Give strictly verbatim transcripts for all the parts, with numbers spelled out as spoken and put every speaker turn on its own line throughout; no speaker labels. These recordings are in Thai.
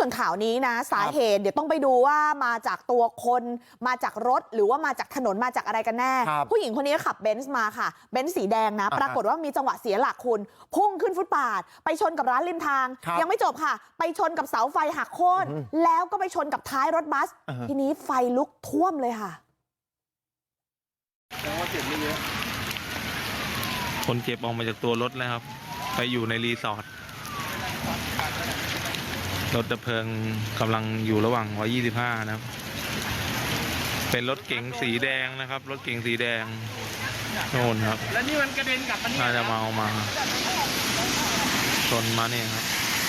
ส่วนข่าวนี้นะสาเหตุเดี๋ยวต้องไปดูว่ามาจากตัวคนมาจากรถหรือว่ามาจากถนนมาจากอะไรกันแน่ผู้หญิงคนนี้ขับเบนซ์มาค่ะเบนซ์สีแดงนะปรากฏว่ามีจังหวะเสียหลักคุณพุ่งขึ้นฟุตบาทไปชนกับร้านริมทางยังไม่จบค่ะไปชนกับเสาไฟหักโค่นแล้วก็ไปชนกับท้ายรถบัสทีนี้ไฟลุกท่วมเลยค่ะ
แต่ว่าเจ็บไม่เยอะ
คนเจ็บออกมาจากตัวรถแล้วครับไปอยู่ในรีสอร์ทรถดับเพลิงกำลังอยู่ระหว่างหนึ่งร้อยยี่สิบห้านะครับเป็นรถเก๋งสีแดงนะครับรถเก๋งสีแดงโน่นครับ
แล้วนี่มันกระเด็นกลับมาเนี่ย
น่าจะมาเอามาชนมาเนี่ยครับ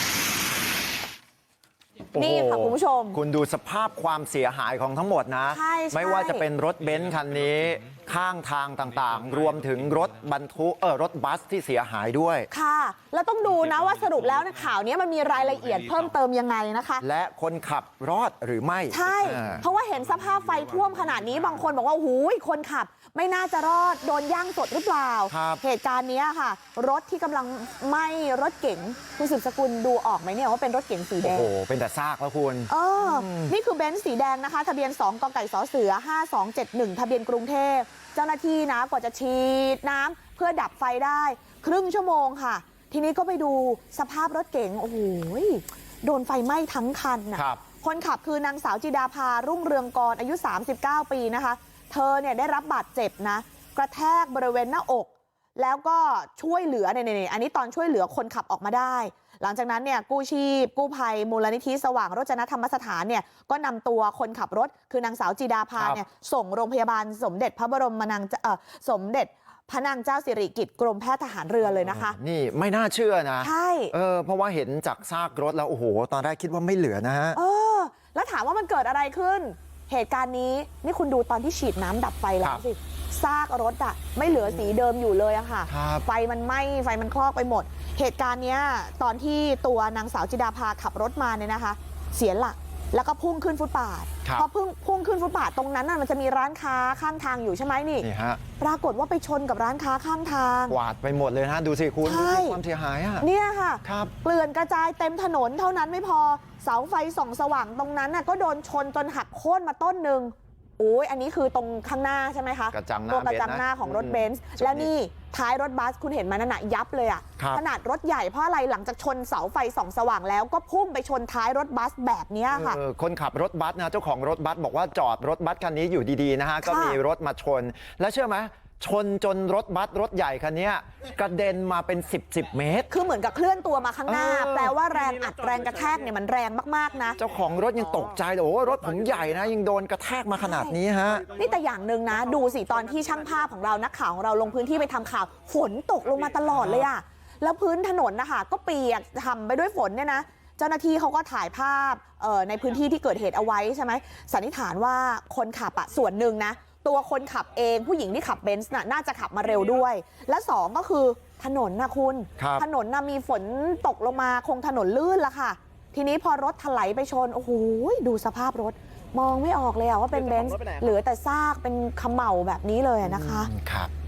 นี่ค่ะคุณผู้ชม
คุณดูสภาพความเสียหายของทั้งหมดนะไม่ว่าจะเป็นรถเบนซ์คันนี้ข้างทางต่างๆรวมถึงรถบรรทุกเออรถบัสที่เสียหายด้วย
ค่ะแล้วต้องดูนะว่าสรุปแล้วในข่าวนี้มันมีรายละเอียดเพิ่มเติมยังไงนะคะ
และคนขับรอดหรือไม่
ใช่เพราะว่าเห็นสภาพไฟท่วมขนาดนี้บางคนบอกว่าหูยคนขับไม่น่าจะรอดโดนย่างสดหรือเปล่าเหตุการณ์นี้ค่ะรถที่กำลังไหม้รถเก๋งคุณสืบสกุลดูออกไหมเนี่ยว่าเป็นรถเก๋งสีแดง
โอ้โหเป็นแต่ซากแล้วคุณ
เออนี่คือเบนซ์สีแดงนะคะทะเบียนสองกไก่สเสือห้าสองเจ็ดหนึ่งทะเบียนกรุงเทพเจ้าหน้าที่นะกว่าจะฉีดน้ำเพื่อดับไฟได้ครึ่งชั่วโมงค่ะทีนี้ก็ไปดูสภาพรถเก๋งโอ้โหโดนไฟไหม้ทั้งคันนะคนขับคือนางสาวจิดาภารุ่งเรืองกรอายุสามสิบเก้าปีนะคะเธอเนี่ยได้รับบาดเจ็บนะกระแทกบริเวณหน้าอกแล้วก็ช่วยเหลือเนี่ยอันนี้ตอนช่วยเหลือคนขับออกมาได้หลังจากนั้นเนี่ยกู้ชีพกู้ภัยมูลนิธิสว่างโรจนธรรมสถานเนี่ยก็นำตัวคนขับรถคือนางสาวจิดาภาเนี่ยส่งโรงพยาบาลสมเด็จพระบรมนางเอ่อสมเด็จพระนางเจ้าสิริกิติ์กรมแพทย์ทหารเรือเลยนะคะ
นี่ไม่น่าเชื่อนะ
ใช่
เออเพราะว่าเห็นจากซากรถแล้วโอ้โหตอนแรกคิดว่าไม่เหลือนะฮะ
เออแล้วถามว่ามันเกิดอะไรขึ้นเหตุการณ์นี้นี่คุณดูตอนที่ฉีดน้ำดับไฟแล้วสิซากรถอะไม่เหลือสีเดิมอยู่เลยอะค่ะไฟมันไหม้ไฟมันคลอกไปหมดเหตุการณ์เนี้ยตอนที่ตัวนางสาวจิดาภาขับรถมาเนี่ยนะคะเสียหลักแล้วก็พุ่งขึ้นฟุตบาทพอพุ่งพุ่งขึ้นฟุตบาทตรงนั้นน่ะมันจะมีร้านค้าข้างทางอยู่ใช่ไหมนี่ปรากฏว่าไปชนกับร้านค้าข้างทาง
กวาดไปหมดเลยนะดูสิคุณความเสียหายอะ
เนี่ยค่ะเกลื่อนกระจายเต็มถนนเท่านั้นไม่พอเสาไฟส่องสว่างตรงนั้นน่ะก็โดนชนจนหักโค่นมาต้นหนึ่งโอ้ยอันนี้คือตรงข้างหน้าใช่ไหมคะตัวกระจังหน้าของรถเบนซ์แล้วนี่ท้ายรถบัสคุณเห็นมันนั่นน่ะยับเลยอ่ะขนาดรถใหญ่เพราะอะไรหลังจากชนเสาไฟส่องสว่างแล้วก็พุ่งไปชนท้ายรถบัสแบบนี้ค่ะ
คนขับรถบัสนะเจ้าของรถบัสบอกว่าจอดรถบัสคันนี้อยู่ดีๆนะฮะก็มีรถมาชนแล้วเชื่อไหมชนจนรถบัสรถใหญ่คันนี้กระเด็นมาเป็นสิบ สิบเมตร
คือเหมือนกับเคลื่อนตัวมาข้างหน้าแปลว่าแรงอัดแรงกระแทกเนี่ยมันแรงมากๆนะ
เจ้าของรถยังตกใจเลยโอ้รถผมใหญ่นะยังโดนกระแทกมาขนาดนี้ฮะ
นี่แต่อย่างหนึ่งนะดูสิตอนที่ช่างภาพของเรานักข่าวของเราลงพื้นที่ไปทำข่าวฝนตกลงมาตลอดเลยอะแล้วพื้นถนนนะคะก็เปียกทำไปด้วยฝนเนี่ยนะเจ้าหน้าที่เขาก็ถ่ายภาพในพื้นที่ที่เกิดเหตุเอาไว้ใช่ไหมสันนิษฐานว่าคนขับอะส่วนหนึ่งนะตัวคนขับเองผู้หญิงที่ขับเบนซ์น่ะน่าจะขับมาเร็วด้วยและสองก็คือถนนนะคุณถนนน่ะมีฝนตกลงมาคงถนนลื่นละค่ะทีนี้พอรถถลายไปชนโอ้โหดูสภาพรถมองไม่ออกเลยอะว่าเป็นเบนซ์เหลือแต่ซากเป็นเขม่าแบบนี้เลยนะคะ
ครับ